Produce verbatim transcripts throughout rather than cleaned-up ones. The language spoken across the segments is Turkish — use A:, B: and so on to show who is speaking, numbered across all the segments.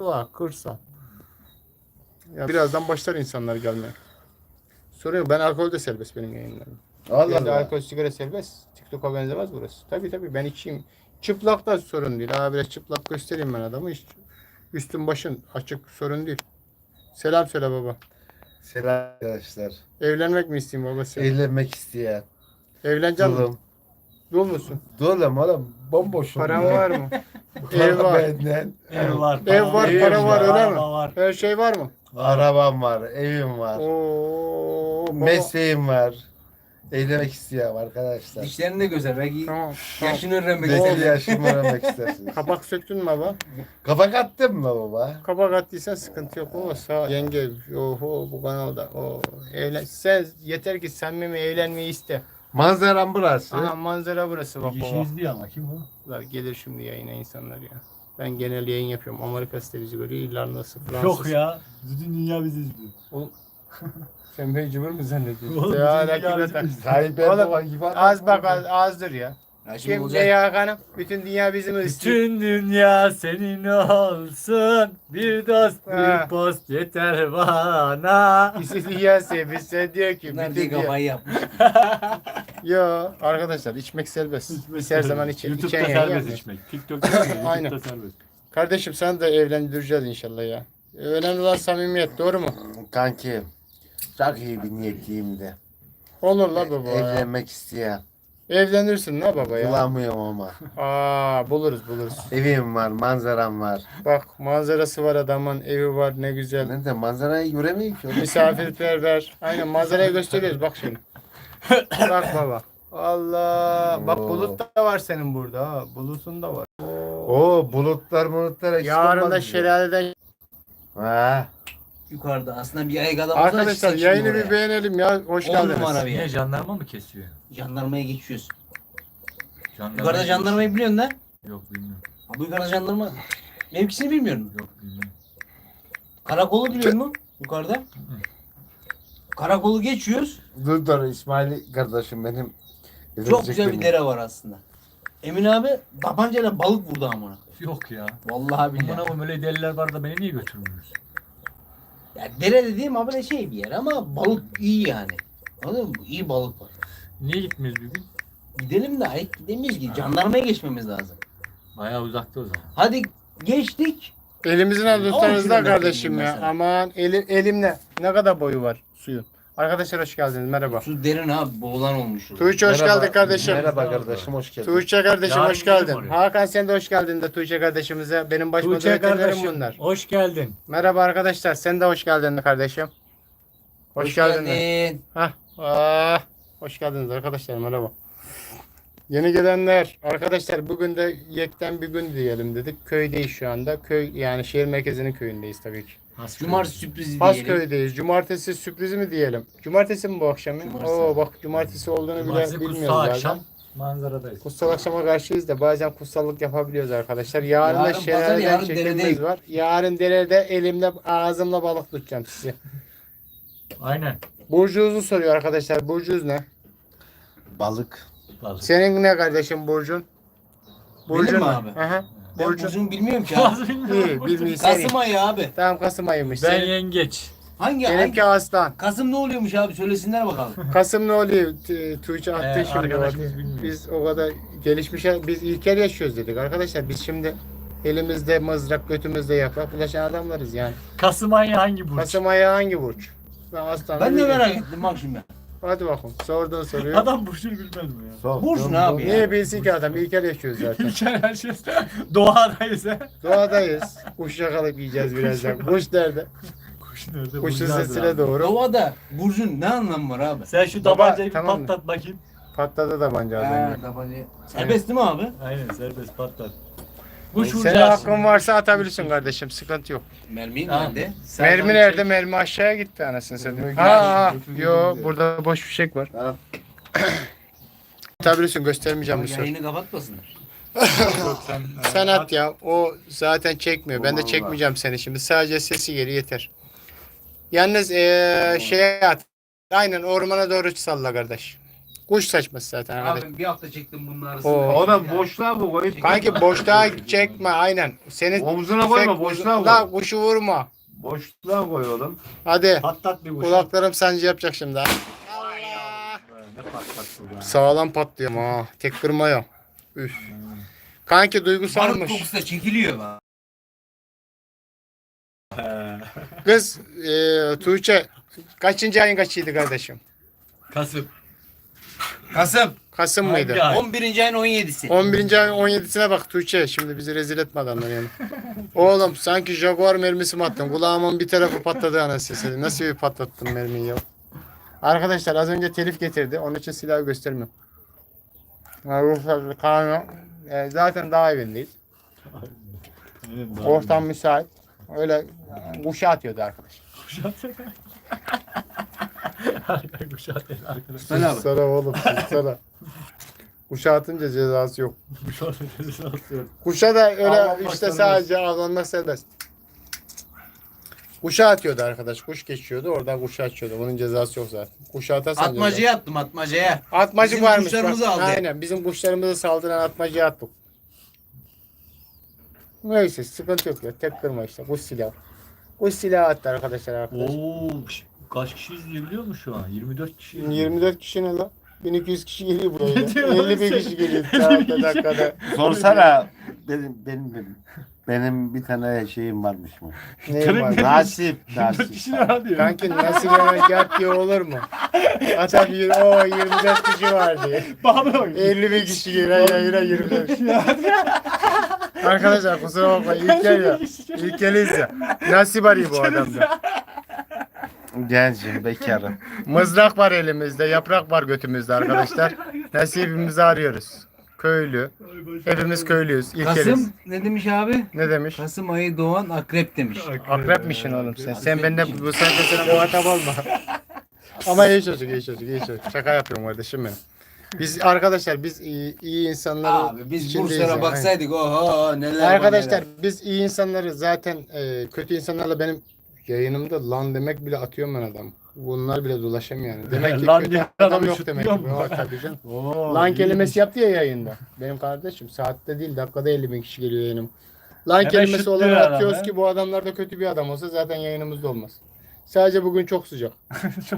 A: doğa, kırsal. Ya birazdan başlar insanlar gelmeye. Soruyor, ben alkol de serbest benim yayınlarım.
B: Allah
A: Yani
B: Allah.
A: alkol sigara serbest. TikTok'a benzemez burası. Tabii tabii ben içeyim. Çıplak da sorun değil. Abi biraz çıplak göstereyim ben adamı. Hiç üstün başın açık sorun değil. Selam söyle baba.
B: Selam arkadaşlar.
A: Evlenmek mi isteyeyim baba sen?
B: Eğlenmek isteyen.
A: Evleneceksin mi?
B: Dulum.
A: Dul musun?
B: Dulum oğlum. Bomboşum.
A: Paran
B: ya.
A: var mı?
B: Para
A: Ev var.
B: benden.
C: Ev var,
A: Ev var,
B: Ev
A: para var,
B: var,
A: öyle mi?
C: araba var.
A: Her şey var mı?
B: Arabam var. Evim var.
A: Oo, baba.
B: Mesleğim var. Eğlenmek isteyen arkadaşlar.
D: Dişlerini de göster. Belki
A: Tamam, tamam.
D: yaşını öğrenmek
B: Belki
D: istedim.
B: yaşımı öğrenmek istersiniz.
A: Kapak söktün mü baba?
B: Kapak attın mı baba?
A: Kapak attıysan sıkıntı yok. O sağ yenge. Oho bu kanalda. O evlen. Sen yeter ki samimi evlenmeyi iste.
B: Manzaram burası.
A: Aha manzara burası bak
C: Bir kişi
A: baba.
C: izliyor ama kim o?
A: Lan gelir şimdi yayına insanlar ya. Ben genel yayın yapıyorum. Amerika bizi görüyor. İrlanda'sı, Fransız.
C: Yok ya. Bütün dünya bizi izliyor.
A: Oğlum, sen beni cıvır mı zannediyorsun?
C: Oğlum,
A: ya
C: bizim
A: rakip
C: dünya
A: atar.
C: bizi
B: Tayyip
A: Oğlum,
B: Erdoğan gibi adam
A: Az bak
B: var.
A: az, azdır ya.
D: Ya şimdi
A: Kim
D: olacak.
A: ne ya hanım? Bütün dünya bizim istiyor.
C: Bütün dünya senin olsun. Bir dost
A: Ha.
C: bir post yeter bana.
A: İşte dünya sevmişse diyor ki
D: Bunlar
A: bütün
D: diye
A: dünya.
D: kafayı yapmış.
A: Yo arkadaşlar içmek serbest. Biz her zaman içe,
C: YouTube'da
A: içen yayın
C: serbest
A: yapmıyoruz.
C: içmek. TikTok'ta değil,
A: Aynen.
C: YouTube'da serbest.
A: Kardeşim sen de evlendireceğiz inşallah ya. Önemli olan samimiyet doğru mu?
B: Kanki. Çok iyi bir niyetliyim de.
A: Olur la baba ya.
B: Evlenmek isteyen.
A: Evlenirsin la baba ya.
B: Bulamıyorum ama.
A: Aa buluruz buluruz.
B: Evim var, manzaram var.
A: Bak manzarası var adamın, evi var ne güzel.
B: Ben de manzarayı göremiyorum ki. oğlum.
A: Misafirperver. Aynen manzarayı gösteriyoruz bak şimdi. Bak baba. Allah. Bak
B: Oo.
A: bulut da var senin burada ha. Bulutun da var.
B: Oo bulutlar bulutlar eksik
A: Yarın
B: olmaz
A: da
B: mı?
A: şelaleden.
B: Ha.
D: Yukarıda aslında bir ayık adamımız var.
A: Arkadaşlar
D: çiçek
A: yayını
D: şimdi
A: bir
D: oraya.
A: beğenelim ya. Hoş
D: On
A: geldiniz.
D: numara bir
C: Niye
D: yer.
C: jandarma mı kesiyor?
D: Jandarmaya geçiyoruz.
C: Jandarma
D: Yukarıda jandarmayı biliyorsun lan.
C: Yok bilmiyorum.
D: Ha, bu yukarıda jandarma. Mevkisini bilmiyorum.
C: Yok bilmiyorum.
D: Karakolu biliyor musun? Yukarıda. Karakolu geçiyoruz.
B: Dur dur İsmail kardeşim benim.
D: Çok güzel bir dere var aslında. Emin abi tabancayla balık vurdu amına.
C: Yok ya.
D: Vallahi billahi.
C: Bana bu öyle deliler var da beni niye götürmüyorsun?
D: Ya dere dediğim abi ne şey bir yer ama balık iyi yani. Anladın mı? İyi balık var.
C: Niye gitmiyoruz bir gün?
D: Gidelim de ayık gidemeyiz ki. Jandarmaya geçmemiz lazım.
C: Bayağı uzakta o zaman.
D: Hadi geçtik.
A: Elimizin
D: On
A: avuçlarınızda
D: kilometre
A: kardeşim
D: diyeyim
A: ya.
D: mesela.
A: Aman elim, elimle. Ne kadar boyu var suyun. Arkadaşlar hoş geldiniz. Merhaba.
D: Su derin abi boğulan olmuş.
A: Tuğçe hoş geldin kardeşim.
B: Merhaba kardeşim hoş geldin.
A: Tuğçe kardeşim
C: Yarın
A: hoş geldin.
C: gidelim oraya.
A: Hakan sen de hoş geldin de Tuğçe kardeşimize. Benim baş
C: Tuğçe
A: moderatörlerim
C: kardeşim
A: bunlar.
C: hoş geldin.
A: Merhaba arkadaşlar. Sen de hoş geldin kardeşim. Hoş, geldin.
D: geldin.
A: Hah. Ah, hoş geldiniz arkadaşlar. Merhaba. Yeni gelenler. Arkadaşlar bugün de yekten bir gün diyelim dedik. Köydeyiz şu anda. Köy yani şehir merkezinin köyündeyiz tabii ki.
D: Cumartesi sürprizi diyelim.
A: Pasköy'deyiz. Cumartesi sürprizi mi diyelim? Cumartesi mi bu akşam? ya?
D: Cumartesi.
A: Oo bak cumartesi olduğunu
C: Cumartesi
A: bile
C: kutsal
A: bilmiyoruz bazen.
C: akşam manzaradayız.
A: Kutsal akşama karşıyız da bazen kutsallık yapabiliyoruz arkadaşlar. Yarın,
D: Yarın
A: da
D: pazar,
A: şelaleden
D: yarın
A: çekimimiz
D: deredeyim.
A: var. Yarın derede elimle ağzımla balık tutacağım sizi.
C: Aynen.
A: Burcunuzu soruyor arkadaşlar. Burcunuz ne?
B: Balık.
C: Balık.
A: Senin ne kardeşim Burcun?
D: Benim mi
A: ne?
D: abi?
A: Aha.
D: Ben
A: Burcun.
D: Burcu'nu bilmiyorum ki abi.
C: Bazı bilmiyorum.
A: İyi bilmiyorsan iyi.
D: Kasım ayı abi.
A: Tamam Kasım ayıymış.
C: Ben
A: Senin,
C: yengeç.
D: Hangi ay?
A: seninki Aslan.
D: Kasım ne oluyormuş abi söylesinler bakalım.
A: Kasım ne oluyor? T- Tuğçe attı
C: Ee,
A: şimdi.
C: arkadaşımız
A: bak.
C: bilmiyor.
A: Biz o kadar gelişmiş, biz ilkel yaşıyoruz dedik arkadaşlar. Biz şimdi elimizde mızrak, götümüzde yaprak bulaşan adamlarız yani.
C: Kasım ayı hangi burç?
A: Kasım ayı hangi burç? Ben aslan.
D: Ben de merak ettim bak şimdi.
A: Hadi bakalım. Sorduğun soruyu.
C: Adam burçunu bilmez mi ya?
B: Sok,
D: Burcu
B: dön,
D: ne abi
B: dön.
D: ya?
A: Niye bilsin ki adam? İlkel yaşıyoruz zaten.
C: İlker her şey doğadayız ha.
A: Doğadayız. Kuş yakalayıp yiyeceğiz birazdan. Kuş nerede?
C: Kuş nerede?
A: Kuşun
C: Burculardır
A: sesine
C: abi.
A: doğru.
D: Doğada Burcu'nun ne anlamı var abi?
C: Sen şu
A: Baba,
C: tabancayı bir
A: tamam mı?
C: patlat bakayım.
A: Patladı da bence az
D: Ha,
A: önce.
D: tabanca. Serbest değil mi abi?
C: Aynen serbest patlat. Kuş
A: Senin
C: vuracağız
A: hakkın
C: şimdi.
A: varsa atabilirsin kardeşim. Sıkıntı yok.
D: Mermi
C: Tamam.
D: nerede?
C: Sen
A: Mermi
C: bana
A: nerede?
C: çek.
A: Mermi aşağıya gitti anasını satayım.
B: Mermi
A: Ha, ha.
B: götürdüm
A: Yo
B: diyor.
A: burada boş fişek var.
B: Ha.
A: Atabilirsin göstermeyeceğim bir soru.
D: Yayını kapatmasınlar.
C: Yok, sen,
A: Sen at ya. O zaten çekmiyor. Ben de
B: Allah.
A: çekmeyeceğim seni şimdi. Sadece sesi geri yeter. Yalnız eee şeye at. Aynen ormana doğru salla kardeş. Kuş saçması zaten arkadaş.
D: Abi bir hafta çektim bunun
A: Oo.
D: arasında.
B: O da boşluğa bu koy.
A: Kanki boşluğa çekme aynen. Senin
B: Omzuna koyma,
A: tüfek
B: boşluğa koy.
A: La kuşu vurma.
B: Boşluğa koy oğlum.
A: Hadi.
C: Patlat bir kuş.
A: Kulaklarım sancı yapacak şimdi. Allah.
C: Ne patlattı bu ya?
A: Sağlam patlıyor ha. Tek kırma yok. Üf. Kanki
D: Barut
A: duygusalmış.
D: kokusu da çekiliyor bak.
A: Kız e, Tuğçe kaçıncı ayın kaçıydı kardeşim?
C: Kasım.
D: Kasım.
A: Kasım
C: Hangi
A: mıydı?
C: ay?
D: on birinci ayın on yedisi.
A: on birinci ayın on yedisine bak Tuğçe. Şimdi bizi rezil etme adamlar yani. Oğlum sanki Jaguar mermisi mi attın? Kulağımın bir tarafı patladı anasını satayım. Nasıl bir patlattın mermiyi ya? Arkadaşlar az önce telif getirdi. Onun için silahı göstermiyorum. Ha, ruhsatlı kanun. E, zaten daha evindeyiz. Ortam müsait. Öyle kuşa atıyordu arkadaş.
C: Kuşat. Kuşat değil arkadaş.
D: Söyle abi.
A: Sana oğlum sana. Kuşa atınca cezası yok.
C: Kuşat sesi atıyor.
A: Kuşa da öyle
C: Avlanmak
A: işte
C: serbest.
A: sadece avlanmak serbest. Kuşa atıyordu arkadaş. Kuş geçiyordu. Oradan kuşa atıyordu. Bunun cezası yok zaten. Kuşa atarsan ceza.
D: Atmacaya attım atmacaya.
A: Atmacı
D: Bizim
A: varmış.
D: kuşlarımızı
A: bak.
D: aldı.
A: Aynen. Bizim kuşlarımızı saldıran atmacıya attık. Neyse sıkıntı yok ya. Tek kırma işte. Kuş silahı. Kuş silahı attı arkadaşlar arkadaş.
C: Oo, ş- kaç kişi izleyebiliyor mu şu an? yirmi dört kişi izliyor.
A: yirmi dört kişi ne lan? bin iki yüz kişi geliyor buraya.
C: Ne diyorsun
A: elli bin
C: sen?
A: kişi geliyor saatte dakikada.
B: Sorsana benim benim benim. Benim bir tane şeyim varmış mı?
A: Neyim var?
B: Nasip,
C: yirmi dört
B: nasip.
C: kişi ne diyor?
A: Kanki nasıl yemek yap diye olur mu? Adam yir, o yirmi dört kişi var diye.
C: Bana bak.
A: elli bin kişi geliyor. Hayır hayır yirmi dört kişi. Arkadaşlar kusura bakmayın. İlkel ya. İlkeliyiz ya. Nasip arıyor bu adamda.
B: Gencim, bekarım.
A: Mızrak var elimizde. Yaprak var götümüzde arkadaşlar. Nasibimizi arıyoruz. Köylü. Hepimiz köylüyüz. İlkeliyiz.
D: Kasım ne demiş abi?
A: Ne demiş?
D: Kasım ayı doğan akrep demiş.
A: Akrepmişsin oğlum sen. Sen benden bu saatte sana muhatap olma. Ama iyi çocuk, iyi çocuk, iyi çocuk. Şaka yapıyorum kardeşim benim. Biz arkadaşlar biz iyi, iyi insanları
D: Abi biz
A: içindeyiz
D: Bursa'ya
A: yani.
D: baksaydık oho neler var
A: Arkadaşlar
D: neler.
A: biz iyi insanları zaten e, kötü insanlarla benim yayınımda lan demek bile atıyorum ben adam. Bunlar bile dolaşamıyor yani. Demek ki
C: Lan
A: kötü
C: diye
A: adam
C: adamı
A: yok demek
C: şutluyor
A: ki.
C: mu?
A: O, tabii canım.
C: Oo,
A: Lan
C: iyiymiş.
A: kelimesi yaptı ya yayında. Benim kardeşim saatte değil dakikada elli bin kişi geliyor yayınım. Lan
C: Hemen
A: kelimesi
C: şutluyor
A: olarak
C: adam
A: atıyoruz
C: he.
A: ki bu adamlar da kötü bir adam olsa zaten yayınımızda olmaz. Sadece bugün çok sıcak.
C: Çok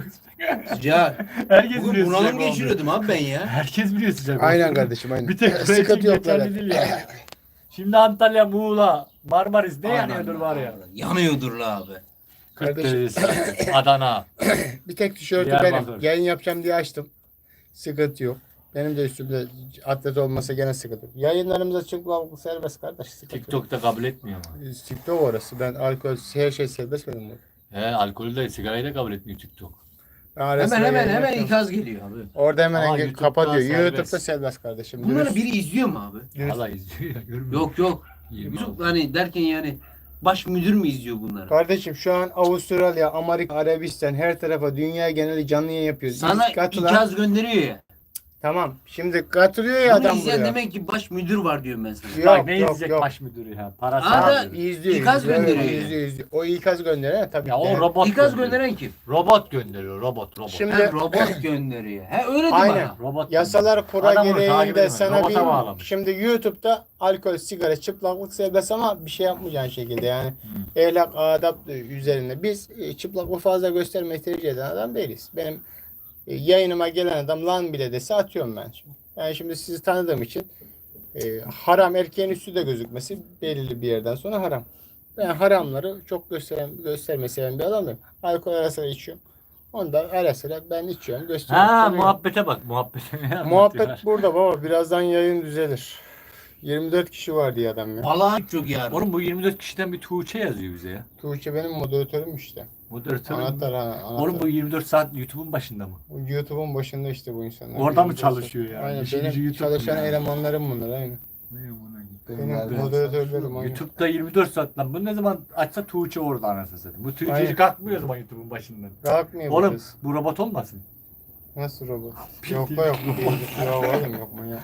D: Sıcak.
C: Herkes
D: Bugün
C: biliyor
D: bunalım
C: sıcak olduğunu.
D: geçiriyordum abi ben ya.
C: Herkes biliyor sıcak
A: Aynen
C: olduğunu.
A: kardeşim aynen.
C: Bir tek
A: Sıkıntı
C: Sıkıntı
A: yok
C: geçerli
A: zaten.
C: değil ya. Şimdi Antalya, Muğla, Marmaris ne yanıyordur var ya.
D: Yanıyordur la abi.
A: Kardeşim.
C: Kırklareli, Adana.
A: Bir tek tişörtü
C: Diyarbakır.
A: benim. Yayın yapacağım diye açtım. Sıkıntı yok. Benim de üstümde atlet olmasa gene sıkıntı yok. Yayınlarımıza çıkmak serbest kardeş. Sıkıntı yok.
C: TikTok'ta kabul etmiyor ama.
A: TikTok orası. Ben alkol her şey serbest benim burada.
C: He, alkolü de sigarayı da kabul etmiyor TikTok.
A: Ben ara sıra
D: Hemen hemen
A: yayın
D: hemen
A: yapıyorum.
D: ikaz geliyor.
C: Abi.
A: Orada hemen
C: Aa,
A: engel
C: YouTube'da
A: kapatıyor.
C: serbest.
A: YouTube'da serbest kardeşim.
D: Bunları
A: Dürüst-
D: biri izliyor mu abi?
A: dürüst.
C: Valla izliyor ya görmüyor.
D: Yok yok.
C: yirmi altı.
D: Yusuf hani derken yani baş müdür mü izliyor bunları?
A: Kardeşim şu an Avustralya, Amerika, Arabistan her tarafa dünya geneli canlı yayın yapıyoruz.
D: Sana
A: Biz katılan-
D: ikaz gönderiyor ya.
A: Tamam. Şimdi katılıyor ya
D: Bunu
A: adam
D: izleyen
A: buraya.
D: demek ki baş müdür var diyorum ben sana.
A: Yok
C: Bak ne
A: yok
C: izleyecek
A: yok.
C: baş müdürü ya. Parası
D: Aa,
C: var.
D: da-
A: İzliyor.
D: İkaz
A: izliyor,
D: gönderiyor yani.
A: izliyor, izliyor. O ikaz gönderen tabii.
C: Ya
A: ki.
C: o robot
D: İkaz
C: gönderiyor.
D: gönderen kim?
C: Robot gönderiyor robot robot.
A: Şimdi-
D: Ha, robot gönderiyor. He öyle de
A: Aynen.
D: bana.
C: Robot
A: Yasalar kura
C: Adamı takip
A: gereğinde
C: edemez.
A: sana
C: Robota
A: bir
C: bağlamış.
A: şimdi YouTube'da alkol, sigara, çıplaklık serbest ama bir şey yapmayacağın şekilde yani ehlak, adap üzerine biz e, çıplaklığı fazla göstermeyi tercih eden adam değiliz. Benim e, yayınıma gelen adam lan bile dese atıyorum ben şimdi. Yani şimdi sizi tanıdığım için e, haram erkeğin üstü de gözükmesi belirli bir yerden sonra haram. Ben haramları çok gösteren, göstermeyi seven bir adamım. Alkol ara sıra içiyorum. Onda ara sıra ben içiyorum, gösteriyorum.
C: Ha
A: Sorun yok.
C: muhabbete bak muhabbete. Ne anlatıyorlar?
A: Muhabbet burada baba. Birazdan yayın düzelir. yirmi dört kişi var diye adam ya.
D: Vallahi çok yardım.
C: Oğlum bu yirmi dört kişiden bir Tuğçe yazıyor bize ya.
A: Tuğçe benim moderatörüm işte.
C: Moderatör.
A: Anahtar ha. Anahtar.
C: Oğlum bu yirmi dört saat YouTube'un başında mı?
A: YouTube'un başında işte bu insanlar.
C: Orada mı
A: yirmi dört saat.
C: çalışıyor yani?
A: Aynen
C: İşin
A: benim
C: gücü YouTube
A: çalışan
C: yani.
A: elemanlarım bunlar aynen. Benim
B: Nereden?
A: moderatörlerim aynen.
C: YouTube'da yirmi dört saat lan. Bu ne zaman açsa Tuğçe orada anasını satayım. Bu
A: Aynen.
C: Tuğçe'ci kalkmıyor o zaman YouTube'un başından.
A: Kalkmıyor bu
C: Oğlum
A: kız.
C: bu robot olmasın?
A: Nasıl robot?
C: Bildiğin
A: yok yok.
C: robot.
A: Yok oğlum yok manyak.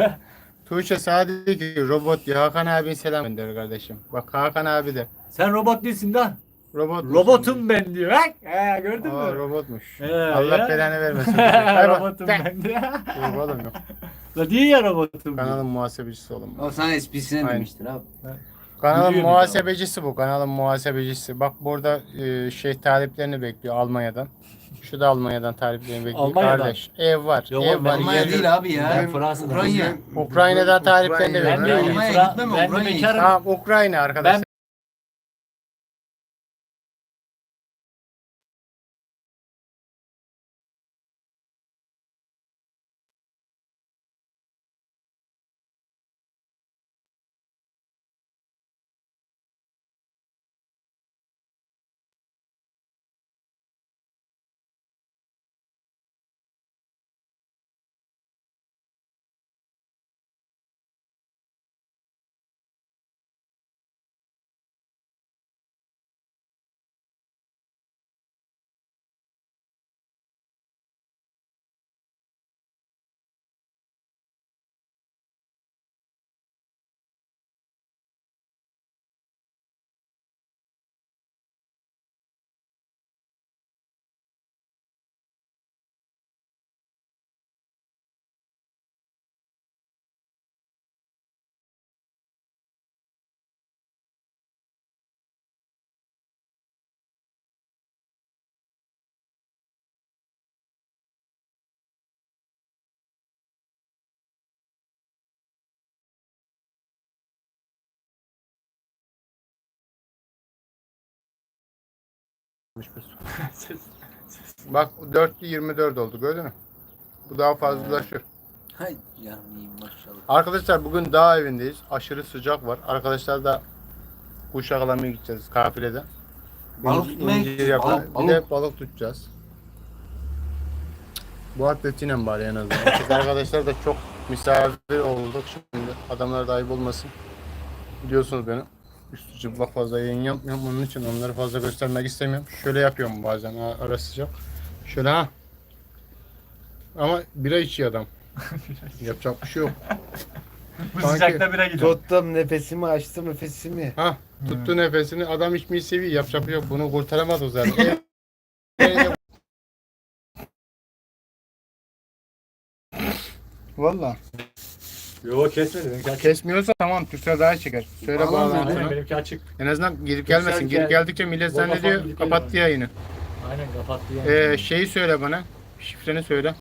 A: Tuğçe sadece ki robot ya. Hakan abin selam gönder kardeşim. Bak Hakan abi de.
C: Sen robot değilsin lan.
A: Robot.
C: Robotum ben diyor. Bak. He, gördün
A: Aa,
C: mü?
A: robotmuş.
C: He,
A: Allah
C: ya.
A: belanı vermesin. Hay bak.
C: Robotum
A: Tek.
C: ben diyor.
A: Yok oğlum yok.
C: La diyor ya robotum.
A: Kanalın muhasebecisi oğlum.
D: O sana esprisine
A: Aynen.
D: demiştir abi.
A: Kanalın
C: Biliyor
A: muhasebecisi bu. Kanalın muhasebecisi. Bak burada e, şey taliplerini bekliyor Almanya'dan. Şu da Almanya'dan taliplerini bekliyor.
C: Almanya'dan.
A: Kardeş ev var.
C: Yok
A: ev
C: oğlum,
A: var.
D: Almanya
A: yer-
D: değil abi ya.
C: Ben Fransa'da.
D: Ukrayna.
A: Ukrayna'dan taliplerini
B: Ukrayna.
C: Ben de
A: bekliyor.
D: Almanya
C: Fra-
D: gitmem,
C: ben de
D: Ukrayna'ya
C: bekarım.
A: Tamam Ukrayna arkadaşlar. Bak dörtlü yirmi dört oldu gördün mü? Bu daha fazlalaşır.
D: Hay canım iyiyim maşallah.
A: Arkadaşlar bugün dağ evindeyiz. Aşırı sıcak var. Arkadaşlar da kuş yakalamaya gideceğiz kafilede.
D: Balık
A: İnci-
D: tutmaya
A: incir
D: gideceğiz,
A: yakala-
D: balık,
A: Bir de balık tutacağız. Bu atletiyle bari en azından. Biz arkadaşlar da çok misafir olduk şimdi. Adamlar da ayıp olmasın. Biliyorsunuz beni. Üstü çıplak fazla yayın yapmıyorum. Onun için onları fazla göstermek istemiyorum. Şöyle yapıyorum bazen ha, ara sıcak. Şöyle ha. Ama bira içiyor adam. Yapacak bir şey yok.
C: Bu
A: Sanki-
C: sıcakta bire gidiyor.
B: Tuttum nefesimi açtım nefesimi.
A: Ha, tuttu nefesini. Adam içmeyi seviyor. Yapacak bir şey yok. Bunu kurtaramaz o zaten. Ev- Valla.
C: Yo kesmedi benimki açık.
A: Kesmiyorsa tamam Türksel daha çeker. Söyle
B: Vallahi
C: Aynen
A: bağlantını.
C: benimki açık.
A: En azından girip
C: Türksel
A: gelmesin.
C: gel-
A: Girip geldikçe millet
C: Vodafone
A: zannediyor
C: gidip
A: kapattı
C: geliyor.
A: yayını.
C: Aynen kapattı yani.
A: Ee, şeyi söyle bana. Şifreni söyle.